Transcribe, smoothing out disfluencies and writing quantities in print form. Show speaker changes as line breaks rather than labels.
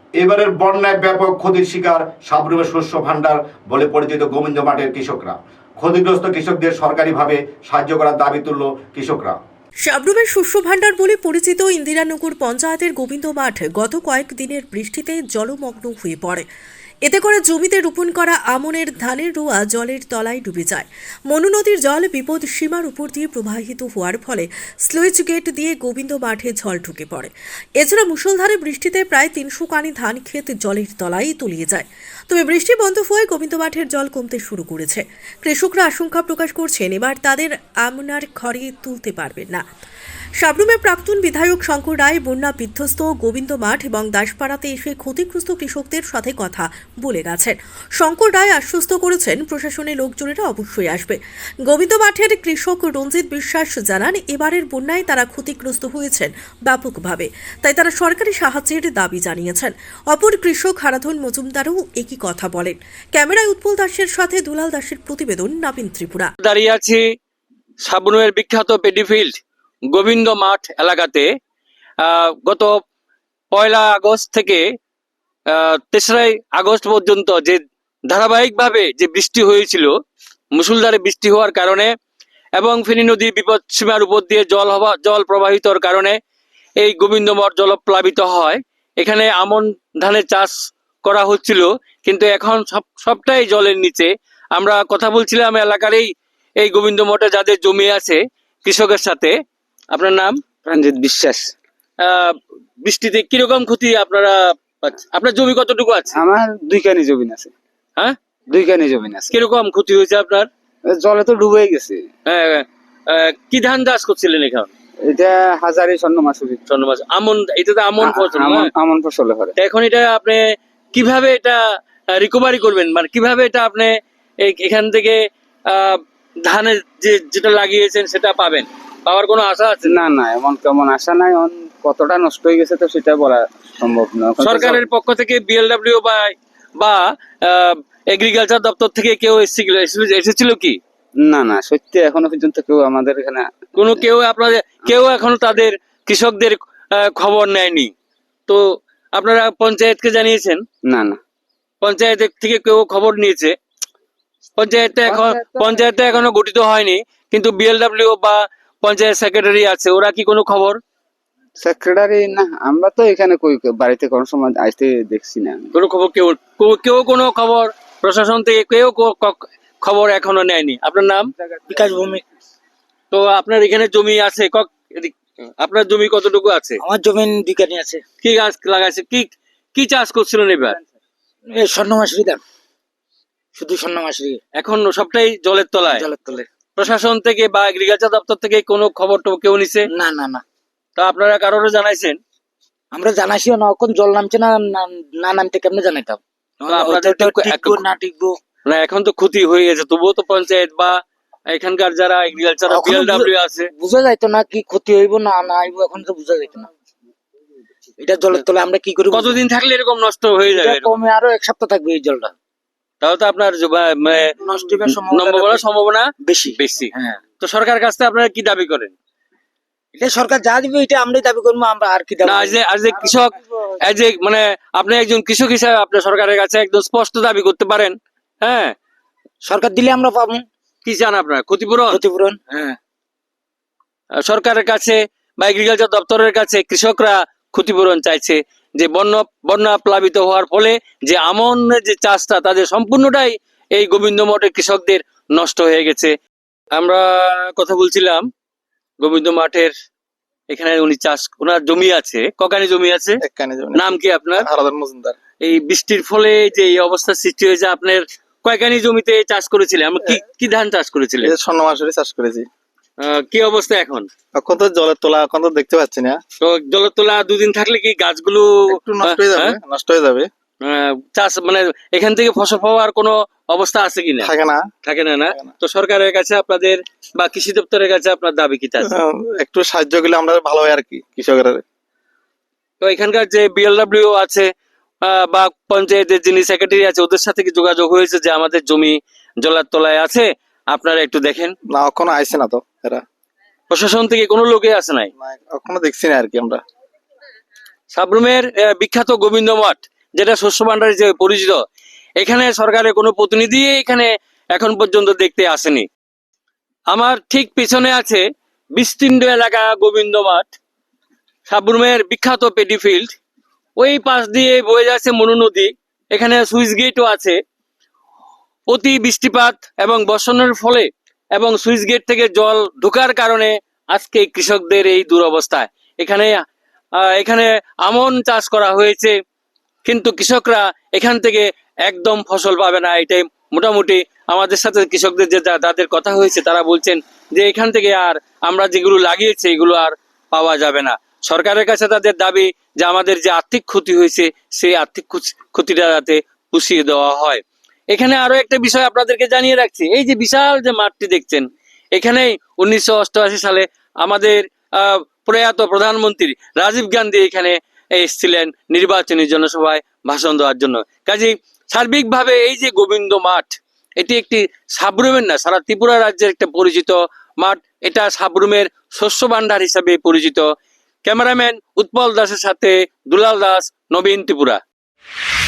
এবারের বন্যায় ব্যাপক ক্ষতির শিকার সাবরুমের শস্য ভাণ্ডার বলে পরিচিত গোবিন্দ মাঠের কৃষকরা। ক্ষতিগ্রস্ত কৃষকদের সরকারিভাবে সাহায্য করার দাবি তুলল কৃষকরা।
সাবরুমের শস্য ভাণ্ডার বলে পরিচিত ইন্দিরানগর পঞ্চায়েতের গোবিন্দ মাঠ গত কয়েকদিনের বৃষ্টিতে জলমগ্ন হয়ে পড়ে। এতে করে জমিতে রোপণ করা আমনের ধানের রোয়া জলের তলায় ডুবে যায়। মনু নদীর জল বিপদ সীমার উপর দিয়ে প্রবাহিত হওয়ার ফলে স্লুইস গেট দিয়ে গোবিন্দ মাঠে জল ঢুকে পড়ে। এছাড়া মুষলধারে বৃষ্টিতে প্রায় ৩০০ কানি ধান ক্ষেত জলের তলায় তলিয়ে যায়। তবে বৃষ্টি বন্ধ হয়ে গোবিন্দ মাঠের জল কমতে শুরু করেছে। কৃষকরা আশঙ্কা প্রকাশ করছেন এবার তাদের আমনার ঘরে তুলতে পারবেন না। সাবরুমের প্রাক্তন বিধায়ক শঙ্কর রায় বন্যা বিধ্বস্ত গোবিন্দ মাঠ এবং দাসপাড়াতে এসে ক্ষতিগ্রস্ত কৃষকদের সাথে কথা বলে গেছেন। শঙ্কর রায় আশ্বস্ত করেছেন প্রশাসনের লোকজনেরা অবশ্যই আসবে। গোবিন্দ মাঠের কৃষক রঞ্জিত বিশ্বাস জানান, এবারের বন্যায় তারা ক্ষতিগ্রস্ত হয়েছেন ব্যাপকভাবে, তাই তারা সরকারি সাহায্যের দাবি জানিয়েছেন। অপর কৃষক হারাধন মজুমদারও একই কথা বলেন। ক্যামেরায় উৎপল দাসের সাথে দুলাল দাসের প্রতিবেদন, নাবিন ত্রিপুরা।
দাঁড়িয়ে আছি সাবরুমের বিখ্যাত পেডিফিল্ড গোবিন্দ মাঠ এলাকাতে। গত 1 আগস্ট থেকে 3 আগস্ট পর্যন্ত যে ধারাবাহিকভাবে যে বৃষ্টি হয়েছিল, মুষলধারে বৃষ্টি হওয়ার কারণে এবং ফেনী নদীর বিপদ সীমার উপর দিয়ে জল প্রবাহিতর কারণে এই গোবিন্দ মাঠ জলপ্লাবিত হয়। এখানে আমন ধানের চাষ করা হচ্ছিল, কিন্তু এখন সবটাই জলের নিচে। আমরা কথা বলছিলাম এলাকার এই গোবিন্দ মঠে যাদের জমি আছে কৃষকের সাথে। আপনার নাম?
রঞ্জিত বিশ্বাস।
বৃষ্টিতে কিরকম ক্ষতি আপনার জমি কতটুকু আছে?
আমার 2 কানি জমি আছে।
হ্যাঁ,
2 কানি জমি আছে।
কিরকম ক্ষতি হয়েছে আপনার?
জলে তো ডুবে গেছে।
কি ধান চাষ করছিলেন এখন?
এটা হাজারি স্বর্ণমাসুরি।
আমন, এটা তো আমন ফসল।
আমন ফসলে হয়।
এখন এটা আপনি কিভাবে এটা রিকভারি করবেন, মানে কিভাবে এটা আপনি এখান থেকে ধানের যেটা লাগিয়েছেন সেটা পাওয়ার কোনো আশা আছে?
না না, এমন কেমন আশা নাই। কতটা নষ্ট হয়ে গেছে তো সেটা বলা সম্ভব না।
সরকারের পক্ষ থেকে বিএলডব্লিউ বা এগ্রিকালচার দপ্তর থেকে কেউ এসেছিল কি?
না না, সত্যি এখনো পর্যন্ত কেউ আমাদের এখানে
কেউ এখনো তাদের কৃষকদের খবর নেয়নি। তো আপনারা পঞ্চায়েতকে জানিয়েছেন?
না না,
পঞ্চায়েত থেকে কেউ খবর নিয়েছে? পঞ্চায়েতটা এখনো গঠিত হয়নি, কিন্তু বিএলডব্লিউ বা পঞ্চায়েত সেক্রেটারি আছে, ওরা কি কোনো খবর?
সেক্রেটারি না, আমরা তো এখানে বাড়িতে কোনো সময় আসতে দেখছি না।
কোনো খবর কেউ কোনো খবর প্রশাসন থেকে কেউ খবর এখনো নেয়নি। আপনার নাম?
বিকাশ ভূমি।
তো আপনার এখানে জমি আছে, আপনার জমি কতটুকু আছে?
আমার জমি 2 কানি আছে।
কি গাছ লাগাইছে, কি চাষ করছিলেন এবার?
এই স্বর্ণমাসুরি ধান, শুধু স্বর্ণমাসুরি।
এখন সবটাই জলের তলায়। প্রশাসন থেকে বা এগ্রিকালচার দপ্তর থেকে কোনো খবর তো কেউ নিছে?
না না না।
তা আপনারা কারোর জানাইছেন?
আমরা জানাইছিও না, এখন জল নামছে না, না নামতে কেমনে জানাইতাম? না টিকবো
না, এখন তো ক্ষতি হয়ে গেছে, তবুও তো পঞ্চায়েত বা এখানকার যারা এগ্রিকালচার বিএলডব্লিউ আছে,
বুঝা যাইতো না কি ক্ষতি হইব না না হইব, এখন তো বুঝা যাইতো না। এটা জলের তলে আমরা কি করি?
কতদিন থাকলে এরকম নষ্ট হয়ে যাবে?
কমে আরো 1 সপ্তাহ থাকবে এই জলটা।
তাহলে তো আপনার
নষ্ট হওয়ার
সম্ভাবনা
বেশি। হ্যাঁ,
তো সরকারের কাছ থেকে আপনারা কি দাবি করেন?
এটা সরকার যা দিবে এটা আমরাই দাবি করবো। আমরা আর কি দাবি?
কৃষক, মানে আপনি একজন কৃষক হিসাবে আপনি সরকারের কাছে একদম স্পষ্ট দাবি করতে পারেন। হ্যাঁ,
সরকার দিলে আমরা পাবো।
কি চান আপনারা? ক্ষতিপূরণ?
হ্যাঁ,
সরকারের কাছে বা এগ্রিকালচার দপ্তরের কাছে কৃষকরা ক্ষতিপূরণ চাইছে, যে বন্যা প্লাবিত হওয়ার ফলে যে আমন যে চাষটা তাদের সম্পূর্ণটাই এই গোবিন্দ মঠের কৃষকদের নষ্ট হয়ে গেছে। আমরা কথা বলছিলাম গোবিন্দ মাঠের, এখানে ওনার জমি আছে। ককানি জমি আছে?
1 কানি জমি।
নাম কি আপনার?
হারাধন মজুমদার।
এই বৃষ্টির ফলে যে এই অবস্থা সৃষ্টি হয়েছে, আপনার কয়কানি জমিতে চাষ করেছিলেন? কি ধান চাষ করেছিলেন?
স্বর্ণমাসুরি চাষ করেছি।
কি অবস্থা এখন?
এখন তো জলের তোলা, এখন তো দেখতে পাচ্ছি না।
তো জলের তোলা 2 দিন থাকলে কি গাছগুলো
একটু নষ্ট হয়ে যাবে।
চাষ মানে এখান থেকে ফসল পাওয়ার কোনো অবস্থা আছে কিনা? থাকে না। তো সরকারের কাছে আপনাদের বা কৃষি দপ্তরের কাছে আপনার দাবি কি?
একটু সাহায্য করলে আমরা ভালো হয় আর কি কৃষকের।
তো এখানকার যে বিএলডব্লিউ আছে বা পঞ্চায়েতের যিনি সেক্রেটারি আছে, ওদের সাথে কি যোগাযোগ হয়েছে যে আমাদের জমি জলের তলায় আছে, আপনারা একটু দেখেন?
না, এখনো আইছে না তো এরা।
প্রশাসন থেকে কোনো লোকে আসে নাই?
এখনো দেখছি না আর কি আমরা।
সাবরুমের বিখ্যাত গোবিন্দ মঠ যেটা শস্য ভান্ডার হিসেবে পরিচিত, এখানে সরকারের কোনো প্রতিনিধি এখানে এখন পর্যন্ত দেখতে আসেনি। আমার ঠিক পিছনে আছে বিস্তীর্ণ এলাকা গোবিন্দ মাঠ, সাবরুমের বিখ্যাত পেডি ফিল্ড। ওই পাশ দিয়ে বয়ে যাচ্ছে মনু নদী, এখানে সুইচ গেটও আছে। অতি বৃষ্টিপাত এবং বর্ষণের ফলে এবং সুইচ গেট থেকে জল ঢোকার কারণে আজকে কৃষকদের এই দুরবস্থা। এখানে আমন চাষ করা হয়েছে, কিন্তু কৃষকরা এখান থেকে একদম ফসল পাবে না। এটাই মোটামুটি আমাদের সাথে কৃষকদের যে তাদের কথা হয়েছে, তারা বলছেন যে এখান থেকে আর আমরা যেগুলো লাগিয়েছি এগুলো আর পাওয়া যাবে না। সরকারের কাছে তাদের দাবি যে আমাদের যে আর্থিক ক্ষতি হয়েছে সেই আর্থিক ক্ষতিটা যাতে পুষিয়ে দেওয়া হয়। এখানে আরো একটা বিষয় আপনাদেরকে জানিয়ে রাখছি, এই যে বিশাল যে মাঠটি দেখছেন, এখানেই 1988 সালে আমাদের প্রয়াত প্রধানমন্ত্রী রাজীব গান্ধী এখানে এসেছিলেন নির্বাচনী জনসভায় ভাষণ দেওয়ার জন্য। কাজেই সার্বিকভাবে এই যে গোবিন্দ মাঠ, এটি একটি সাবরুমের না, সারা ত্রিপুরা রাজ্যের একটা পরিচিত মাঠ। এটা সাবরুমের শস্য ভান্ডার হিসাবে পরিচিত। ক্যামেরাম্যান উৎপল দাসের সাথে দুলাল দাস, নবীন ত্রিপুরা।